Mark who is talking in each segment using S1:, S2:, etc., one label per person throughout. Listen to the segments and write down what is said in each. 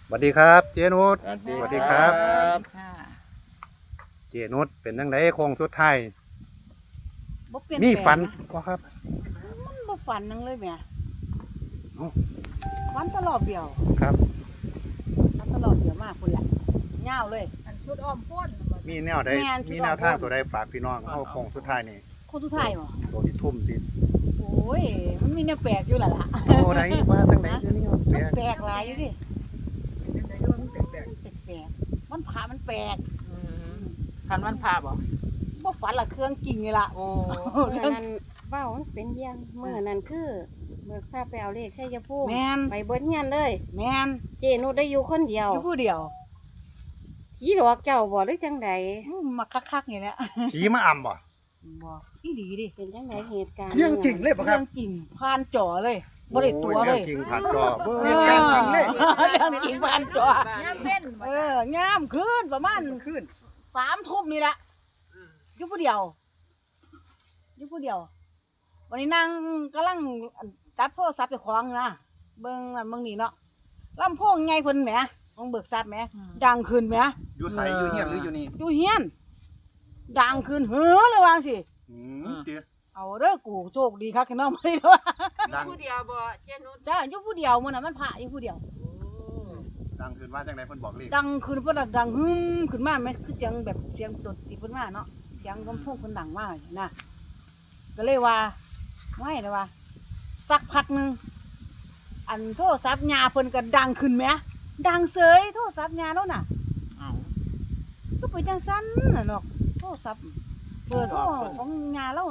S1: สวัสดีครับเจนุช
S2: ส
S1: สวั
S2: วัส
S1: สดี
S2: ดี
S1: ค
S2: ค
S1: รั
S2: รับ บ
S1: เจนุชเป็นจังไดโค้งสุดท้าย
S3: บ่เปลี่ยน
S1: มี
S3: แปลง
S1: ฝัน
S3: นะ
S1: บ่ครับ
S3: มันบ่ฝันนังเลยแหม่
S1: เอ้า
S3: ฝันตลอดเดียว
S1: ครับ
S3: ฝันตลอดเดียวมากคุณแหละยาวเลย
S4: อันชุดอ้อมพ้น
S1: มีแนวใด
S3: แม่น
S1: มีแนวทางตัวใดฝากพี่น้องเอาโค้งสุดท้ายนี่
S3: คนทุกทายบ่
S1: ตัวที่ทุ่มสิ
S3: โอ้ยมันมีแนวแปลกอยู่ล่ะล่ะ
S1: โอ้ไหนว่าจังไดเดี๋ยวนี้แปล
S3: มัน
S1: ก
S3: แปลกหลายอยู่ดิ
S4: ในเรื่องมันแปลก
S3: แปลกมันผ่ามันแปลก
S4: คันวันพาบ่
S3: บ่ฝันละเครื่องจริงนี่ล่ะ
S4: โอ้
S5: เมื่อนั้นเว้ามันเป็นเยี่ยงเมื่อนั้นคือเบิกทราบไปเอาเลขแค่ยาพู
S3: แม่น
S5: ไปเบิดเฮียนเลย
S3: แม่น
S5: เจนุชได้อยู่คนเดียว
S3: อยู่ผู้เดียว
S5: ผีหลอกเจ้าบ่หรือจังใด
S3: มาคักๆอย่างเนี้ย
S1: ผีมาอ่ำบ่
S3: บ่อีหลีดิ
S5: เป็นจังใดเหตุการณ์
S1: เรื่องจริงเลยบ่ค
S3: เรื่
S1: รั
S3: อบ งจริงผ่านจอเลยบ่ได้ตัวเลย
S1: โอ้รื่องจริงผ่านจอเบิ่ง
S3: เอ
S1: เห
S3: อ
S1: ตุการณ์จริงเลย
S3: เรื่องจริงผ่านจอ
S4: ย่ำเว้น
S3: งามขึ้นประมาณขึ้น3 ทุ่มนี่แหละอยู่ผู้เดียวอยู่ผู้เดียว วันนี้นั่งกำลังจับโทรศัพท์ไปของนะเบิ่งนั่นเบิ่งนี่เนาะลำโพงไงเพิ่นแหมของเบิกทรัพย์แหมดังขึ้นแหม
S1: อยู่ไสอยู่เฮียนหรืออยู่นี่
S3: อยู่เฮียนดังขึ้นเฮ้อเลยว่าสิ
S1: เดี๋ยว
S3: เอาเด้อกูโชคดีคักแค่น้องไม่ได้ว่า
S1: ดัง
S4: ผู้เดียวบ่เจนุช
S3: จ้าอยู่ผู้เดียวมื้อน่ะมันพระอยู่ผู้เดียว
S1: ดังขึ้นว่าจังไดเพิ่นบอกเลข
S3: ดังขึ้นเพิ่นน่ะดังหึมขึ้นมาแม่คือเสียงแบบเสียงดนตรีเพิ่นมาเนาะเสียงลำโพงเพิ่นดังมากนะก็เลยว่าไม่เลยว่าสักพักหนึงอันโทรศัพท์ญาเพิ่นก็ดังขึ้นแหมดังเสยโทรศัพท์ญาแล้วน่ะ
S4: เอ้า
S3: ก็เป็นจังซั่นน่ะเนาะโทรศัพท์เบอร์โทรของญาแล้ว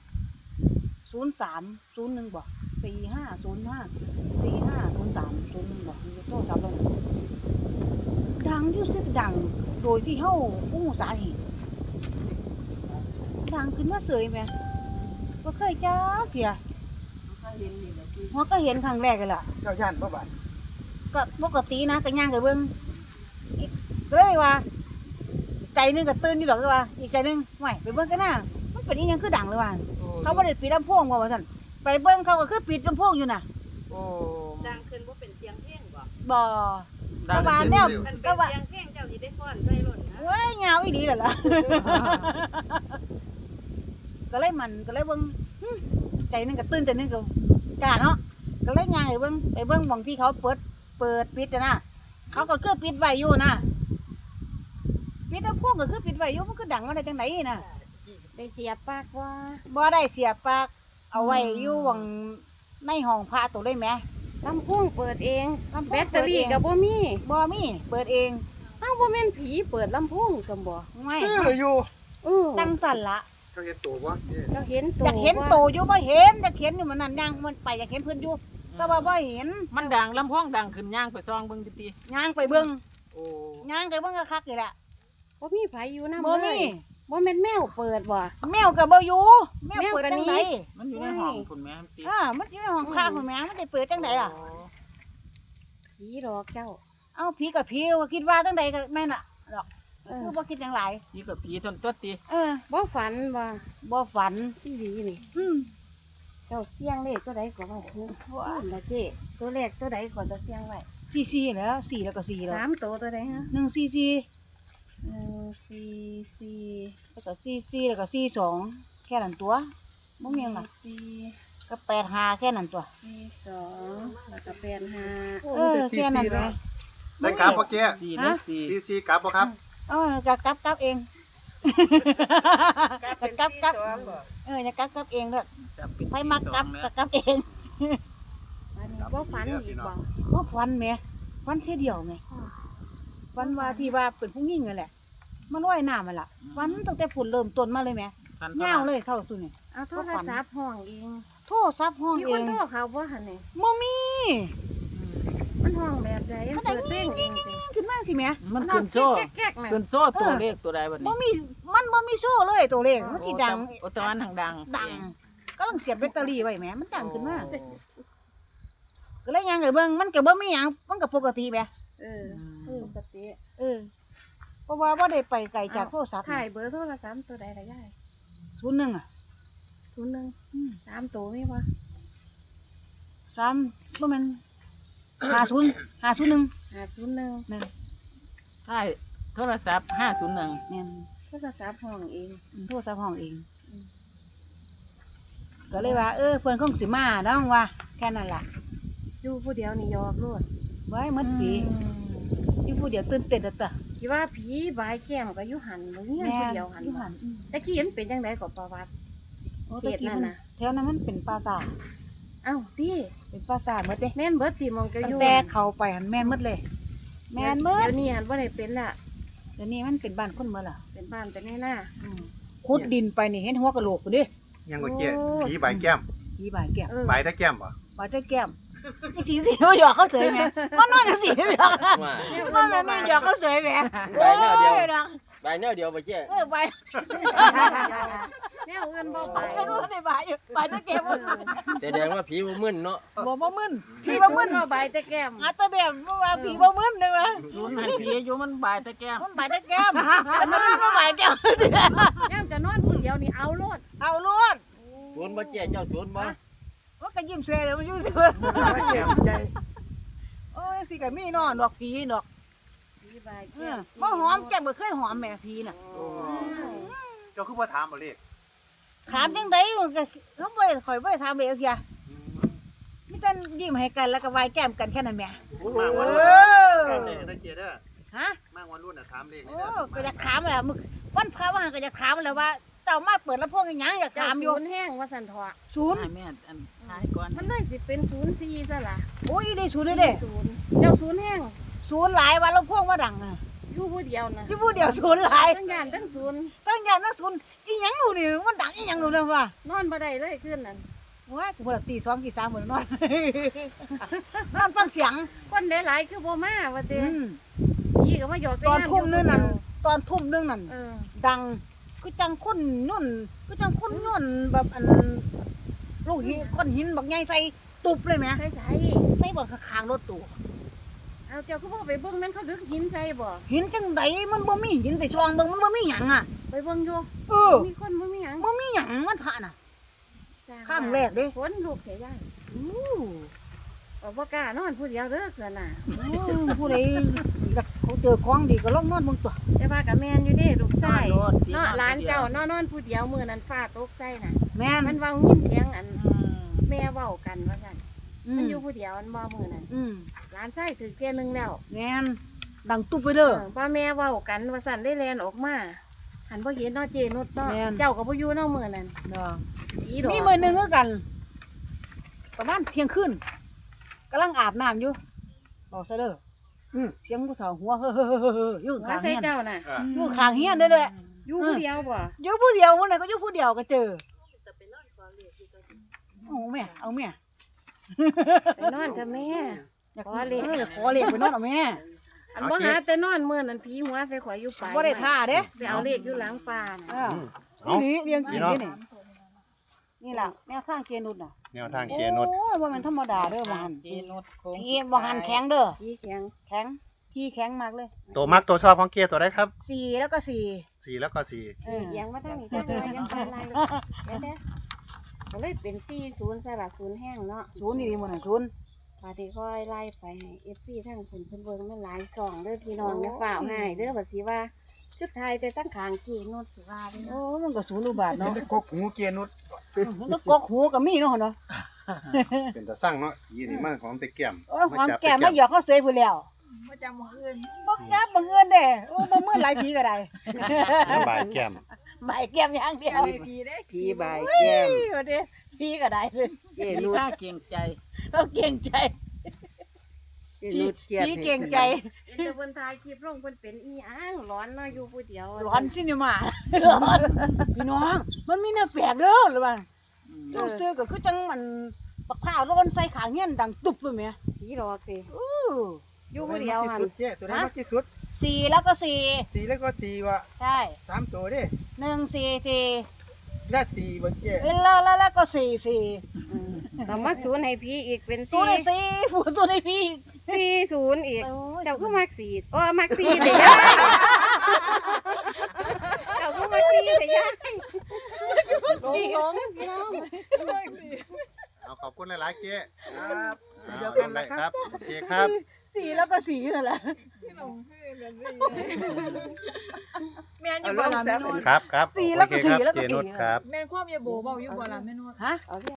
S3: 0301บ่4505 450301บ่โทรศัพท์เราดังอยู่สึกดังโดยที่เฮาบ่รู้สาเหตุดังขึ้นมาเสยแหมบ่เคยจักเที่ยหัวก็เห็นครั้งแรกเลยล่ะ
S1: เจ้าย่านบ่บาด
S3: ก็ปกตินะก็ย่างไปเบิ่งก็เลยว่า ใจหนึงก็ตื่นอยู่ดอกก็ว่า อีกใจหนึงห่วยไปเบิ่งกันนะมันเป็นอีหยังคือดังเลยว่าเขาบ่ได้ปิดลำโพงว่าซั่นไปเบิ่งเขาก็คือปิดลำโพงอยู่น่ะ
S4: โอ้
S2: ดังขึ้นว่าเป็นเสียงเพลงบ่
S3: บ่
S4: ดัง
S3: ก็ว่าแนว
S2: มันเป็นเสียงเพลงเจ้าสิได้ฟ้อนใส่รถนะ
S3: เว้ยยาวอีหลีนั่นล่ะ ก็เลยก็เลยเบิ่งใจหนึงก็ตื่นใจหนึงก็กล้าเนาะก็เลยย่างไปเบิ่งหม้องที่เขาเปิดปิดน่ะนะเขาก็คือปิดไว้อยู่นะปิดลำโพงก็คือปิดไว้อยู่มันก็ดังมาได้จังไดน่ะ
S5: ได้เสียปากว่า
S3: บ่ได้เสียบปลั๊กเอาไว้อยู่หวังในห้องพระตัวเลยแหม
S5: ลำโพงเปิดเอง
S3: ลำโพง
S5: แบตเตอรี่ก็บ่มี
S3: บ่มีเปิดเอง
S5: เอ้าบ่แม่นผีเปิดลำโพงซั่นบ่
S3: ไม่
S1: คืออยู่
S3: ตั้งสั่นละ
S1: เขาเห็นตัวบ่
S5: เราเห็นตั
S3: อยากเห็นโตอยู่บ่เห็นอยากเห็นอยู่มันนั่นย่างมันไปอยากเห็นเพิ่นอยู่แต่ว่าบ่เห็น
S4: มันดังลำโพงดังขึ้นย่างไปซองเบิ่งติ
S3: ย่างไปเบิ่ง
S4: โอ้
S3: ย่างไปเบิ่งคักๆนี่แหละ
S5: บ่มีไผอยู่นำ
S3: บ่
S5: เล
S3: มี
S5: ยบ่แม่นแมวเปิดบ่
S3: แมวก็บ่อยู่แมว
S5: แมว
S3: เปิด
S5: ก็
S3: จัง
S5: หนี
S3: ได
S4: มันอยู่ในห้องคุณแม่ติ
S3: มันอยู่ในห้องพระพุ่นแหมมันได้เปิดจังไดล่ะ
S5: ผีหลอกเจ้า
S3: เอ้าผีกับผีว่าคิดว่าจังไดก็แม่นน่ะดอก
S5: เออ
S3: คือบ่คิดจังหลาย
S4: ผีกับผีทนตัวติ
S5: บ่ฝันบ่
S3: บ่ฝัน
S5: ที่หลีนี่
S3: อืม
S5: เจ้าเสียงเลขตัวใดก็ว่าคือละเจ้ตัวเลขตัวใดก็จะเสียงไว้
S3: 4แล้ว4แล้วก็4แล้ว
S5: สามตัวตัวใดฮะ
S3: 144
S5: 144
S3: แล้วก็44แล้วก็42แค่นั้นตัวบ่มีหยังล่ะ
S5: 4
S3: ก็85แค่นั้นตัว
S5: 42แล้วก็85
S3: แค่นั้นเลย
S1: ได้กลับบ่เกี้ย
S4: 4นะ4
S1: ซีกลับบ่ครับ
S3: ก็กลับเอง
S2: เป็น
S3: กลับ
S2: ที่ตัวบ่
S3: อย่ากลับเองเด้อ
S4: จะเป็น
S3: ไผมักกลับก็กลับเอง
S5: อันนี้บ่ฝันอีกบ่
S3: บ่ฟันแหมฟันเท่ยเดียวแหมฟันว่าที่ว่าเป็นผู้หญิงนั่นแหละมันลอยน้ำนั่นล่ะฟันตั้งแต่ผุนเริ่มต้นมาเลยแหมยาวเลยเท่าตัวนี้
S5: เอาโทรศัพท์ห้องเอง
S3: โทรศัพท์ห้อง
S5: มี
S3: เอ
S5: คน
S3: ง
S5: โทรเขาบ่หั่นนี่
S3: บ่มี
S5: มันห้องแบบใด
S3: มัน
S5: เปิ
S3: ดั
S5: ด
S3: ง
S5: เพลงเองสิ
S3: ขึ้นมาสิแหม
S4: มันขึ้นโซ่
S5: แก๊กๆน่ะ
S4: ขึ้นโซ่ตัวเลขตัวใดบัด
S3: บ่
S4: นี้
S3: มีมันบ่มีโซ่เลยตัวเลขมันสิดัง
S4: โอ้ตะวันทางดัง
S3: ดังก็ต้องเสียบแบตเตอรี่ไว้แหมมันดังขึ้นมา
S4: โอ้
S3: ก็เลยยังไงเบิ่งมันก็บ่มีหยังมันก็ปกติแหม
S5: เออปกติ
S3: เพราะว่าบ่ได้ไปไกลจากโทรศัพท์
S5: ถ่ายเบอร์โทรศัพท์ตัวใดล่ะยาย
S3: 01อ่ะ
S5: 01 3ตัวมีบ่
S3: 3บ่แม่น 50 501
S5: 501
S3: แม่น
S4: ใช่โทรศัพท์501
S3: แม่น
S5: โทรศัพท์ห้องเอง
S3: โทรศัพท์ห้องเอง ก็เลยว่า เพิ่นคงสิมาเนาะว่าแค่นั้นล่ะ
S5: อยู่ผู้เดียวนี่ยอกโลด
S3: ไว้หมดปีอยู่ผู้เดียวตื่นเต้นเด้อตะ
S5: คิดว่าผีบายแก้มก็อยู่หันบ่เฮียน
S3: แม่
S5: ผู้
S3: น
S5: เดียวหัน
S3: อยู่
S5: บ่
S3: หัน
S5: ตะกี้มันเป็นจังไดก็ประวัติ
S3: โอ้
S5: เขต
S3: ตะกี้
S5: นั่น
S3: มัน
S5: น่ะ
S3: แถวนั้นมันเป็นปราสาท
S5: เอ้าติ
S3: เป็นปราสาทหมดเด้
S5: แม่นเบิดติมองก็อ
S3: ตั้ง
S5: ยู่
S3: แต่เข้าไปหันแม่นหมดเลย แม่นหมด
S5: เดี๋ยวนี้หันบ่ได้เป็นละ
S3: เดี๋ยวนี้มันเป็นบ้านคนหมดล่ะ
S5: เป็นบ้านเป็นหน้า
S3: ขุดดินไปนี่เห็นหัวกะโหลกพุ่นเด้
S1: ยังก็เจ๊ผีใบแก้ม
S3: ผีบ่ายแก้ม
S1: ใบตะแก้มบ่
S3: บ่ายได้แก้มจังสิมาหยอกเขาเสยแหมมันนอนจังสิมาหยอก
S6: ว่า
S3: มันแม่นหยอกเขาเสยแหม
S6: ใบแนวเดียว
S3: โอ้ดอก
S6: ใบแนวเดียวไปเจ๊
S3: บ่าย
S5: แนวอื่นบ่ไป
S3: ไอ้รู้ได้บ่ายอยู่บ่ายได้แก้ม
S6: แสดงว่าผีบ่มึนเนาะ
S3: บ่มึนผีบ่มึน
S5: บ่ไปแต่แก้ม
S3: อาตะแบบว่าผีบ่มึนเด้อวะ
S4: ศูนย์ให้ผีอยู่มันบ่ายตะแก้ม
S3: มันบ่ายได้แก้มแต่มันบ่บ่ายแก้ม
S5: ย่ามจะนอนผู้เดียวนี่เอาโลด
S3: เอาโลด
S6: ศูนย์บ่เจ๊เจ้าศูนย์บ่
S3: มันก็ยิ้มเสยแล้วมันอยู่เสย
S1: แก้มใจ
S3: โอ้ยสิก็มีเนาะดอกผีดอก
S5: ผีบาย
S3: เอ
S5: แก้
S3: อ
S5: ม
S3: บ่หอมแก้มบ่เคยหอมแม่ผีน่ะ
S1: เจ้าคือบ่ถามบ่เลข
S3: ถามจังไดมันก็เขาบ่ได้ข่อยบ่ได้ถามเลยเสียมีแต่ยิ้มให้กันแล้วก็ไหว้แก้มกันแค่นั้นแหม่
S1: มาก
S3: เอ
S1: วัน
S3: อ
S1: รุ่นเลขนะเจ๊เด้อ
S3: ฮะ
S1: มากวันรุ่นน่ะถามเลขนี่
S3: โอ้
S1: เด้อ
S3: ก็อยากถามแหละมึกวันพระว่าก็อยากถามแหละว่าเจ้ามาเปิดลำโพงอีหยังอยาก
S5: เจ้า
S3: ถามอยู่
S5: ศูนย์แห้งว่าสันเถาะ
S3: ศูนย์
S4: ให้แม่อันหายก่อน
S5: มันเลยสิเป็น04ซะล่ะ
S3: โอ้ยได้ศูนย์เลยเด้
S5: ศูนย์เจ้าศูนย์แห้ง
S3: ศูนย์หลายวันลำโพงว่าดังอ่ะ
S5: อยู่ผู้เดียวนะ
S3: อยู่ผู้เดียวศูนย์หลาย
S5: ทั้งย่านทั้งศูนย์
S3: ตั้งอย่างนั้นศูนย์อีหยังหนูนี่มันดังอีหยังหนูนะว่าน
S5: อนบ่ได้เลยคืนนั้น
S3: ว้ายกูบ่ได้ตี2ตี3หมดนอน นอนฟังเสียง
S5: คนหลายๆคือบ่มาว่าเด้
S3: อืม
S5: ผีก็มาหยอก
S3: ตอนทุ่มนึงนั่นตอนทุ่มนึงนั่น
S5: เออ
S3: ดังก็จังคนนุ่นก็จังคนนุ่นแบบอันลูกหินก้อนหินบักใหญ่ใส่ตุบเลยแหม
S5: ใส่ใส่
S3: ใส่บ่ข้างๆรถตู้
S5: เอาเจ้าก็บ่ไปเบิ่งแม่นเขาดึกหินใส่บ่
S3: หินจังไดมันบ่มีหินไปช่องเบิ่งมันบ่มีหยังอ่ะ
S5: ไปเบิ่งอยู่
S3: เออ
S5: มีคนบ่มีหยัง
S3: บ่มีหยังมันพระน่ะ ครั้งแรกเด้
S5: ฝนลูกเสียยาย
S3: อู้
S5: บ่กล้านอนผู้เดียวเด้อเกินน่ะ
S3: ผู้ใดอยากเขาเจอของดีก็ลองนอนเบิ่งตัว
S5: แต่ว่าก็แม่นอยู่เด้ลูกชาย
S4: นอนโลด
S5: เนาะหลานเจ้านอนผู้เดียวมื้อนั้นฟ้าตกใส่น่ะ
S3: แม่น
S5: มันเว้ายิ้มเสียงอัน
S4: อืม
S5: แม่เว้ากันว่าซั่นมันอยู่ผู้เดียวมันบ่มื้อนั้น
S3: อืม
S5: หลานชายถือแก่หนึงแล้ว
S3: แม่นดังตุบไปเด้อ
S5: ว่าแม่เว้ากันว่าซั่นได้แลนออกมาหันบ่เห็นเนาะเจนุชเนาะ
S3: แม่น
S5: เจ้าก็บ่อยู่เนาะมื้อนั้น
S3: เนาะ
S5: ผีดอก
S3: มีมื้อหนึงคือกัน ประมาณเที่ยงคืนกำลังอาบน้ำอยู่บอกซะเด้อเสียงผู้สาวหัวเฮ้อๆๆๆอยู่
S5: ว่า
S3: ข้าง
S5: ใส่
S3: เฮียน
S5: เจ้าน่ะ
S3: อยู่ข้างเฮียนเด้อเด้อ
S5: อยู่ผู้เดียวบ่
S3: อยู่ผู้เดียวมื้อนั้นก็อยู่ผู้เดียวก็เจอ
S2: แต่ไปนอนขอเลขอยู่ก็
S3: เอาแม่เอาแม่
S5: ไปนอนกับแม่
S3: อยาก
S5: ขอเลข
S3: ขอเลขไปนอนเอาแม่
S5: อันบ่หาแต่นอนมื้อนั้นผีหัวใส่ข่อยอยู่ปลาย
S3: บ่ได้ท่าเด้
S5: ไปเอาเลขอยู่หลังป่าน่ะ
S3: นี่เรียงกินนี่นี่ล่ะแนวทางเกณฑ์นุดน่ะ
S1: แนวทางเจนุช
S3: โอ้ยบ่แม่นธรรมดาเด้อบ่หัน
S4: เจนุชโค้ง
S3: อีบ่หันแข็งเด้อ
S5: ผีเสียง
S3: แข็งพี่แข็งมากเลย
S1: ตัวมักตัวชอบของเกียร์ตัวได้ครับ
S3: 4แล้วก็4
S1: 4แล้วก็
S3: เออ
S5: เอียงมาทางนี้จังเลยยังเป็นไรเดี๋ยวเด้อก็เลยเป็น40ซะล่ะ0แห้งเนาะ
S3: ศูนย์นี่ดีหมดน่ะศูนย์
S5: ปาที่ค่อยไล่ไปให้ FC ทั้งเพิ่นเบิ่งมันหลายซ่องเด้อพี่น้องอย่าฝ่าวให้เด้อว่าสิว่าคือทายแต่ตั้งข้างกี่โนดสิว่าเด้อ
S3: โอ้มันก็ศูนย์อุบาทเนาะ
S1: กกหูเกียร์นุช
S3: แล้วกกหูก็มีเนาะเนาะ
S1: เป็นตาสั่งเนาะยีนี่มันของตะแก้ม
S3: โอ้ยความแก่มาหยอกเขาเสยพุ่นแล้วบ่จำมื้ออื่นบ่จับมื้ออื่นเด้โอ้บ่มื้อหลายผีก็ได้
S1: ใบแก้ม
S3: ใบแก้มอย่างเดียว
S7: ผีบายแก้ม
S3: ว่าเด้ผีก็ได้เลย
S7: เจ
S4: มี
S7: นุช
S4: ค่าเก่งใจ
S3: เราเก่งใจ
S7: เจนุชเกียรติ
S3: ผีเก่งใจ
S5: แต่เพิ่นถ่ายคลิปลงเพิ่นเป็นอีหยังร้อนเนาะอยู่ผู้เดียว
S3: ร้อนซินิมาร้อนพี่น้อง มันมีแนวแปลกเด้อหรือว่าเจ้าซื้อก็คือจังมันบักพร้าวร้อนใส่ขางเงี้ยนดังตุบเลยแม่
S5: ผีหลอกสิ
S3: อู้
S5: อยู่ผู้เดียวหั่น
S7: เจ๊ตัวไหนมากที่สุด
S3: 4แล้วก็4
S7: 4แล้วก็4ว่ะ
S3: ใช่
S7: 3ตัวเด้
S3: 1 4 4
S7: และ4บ่เจ๊
S3: แล้วก็4 4
S5: เอามาศูนย์ให้ผีอีกเป็น
S3: ศูนย์ให้4ผู้ศูนย์ให้พี่
S5: 40อีก
S3: โอ้ย
S5: เจ้าก็มักสีมักสีเด้ยายเจ้าก็มักสีเด้ยายหลงพี่น้อง
S1: เอาขขอบคุณหลายๆเจ๊
S7: ครับ
S1: เดียวกันนะครับโอเคครับ
S3: สีแล้วก็สีนั่นแหละ
S2: ที่หลงให้แบบนี้แม่นอยู่บ่ล่ะแม่นวด
S1: ครับครับ
S3: สีแล้วก็
S1: โอเคครับ
S3: สีแล้วก็
S1: เจ
S3: สี
S1: นุชครับ
S2: แม่นความอย่าโบเว้าอยู่บ่ล่ะแม่นวด
S3: ฮะ
S5: เอา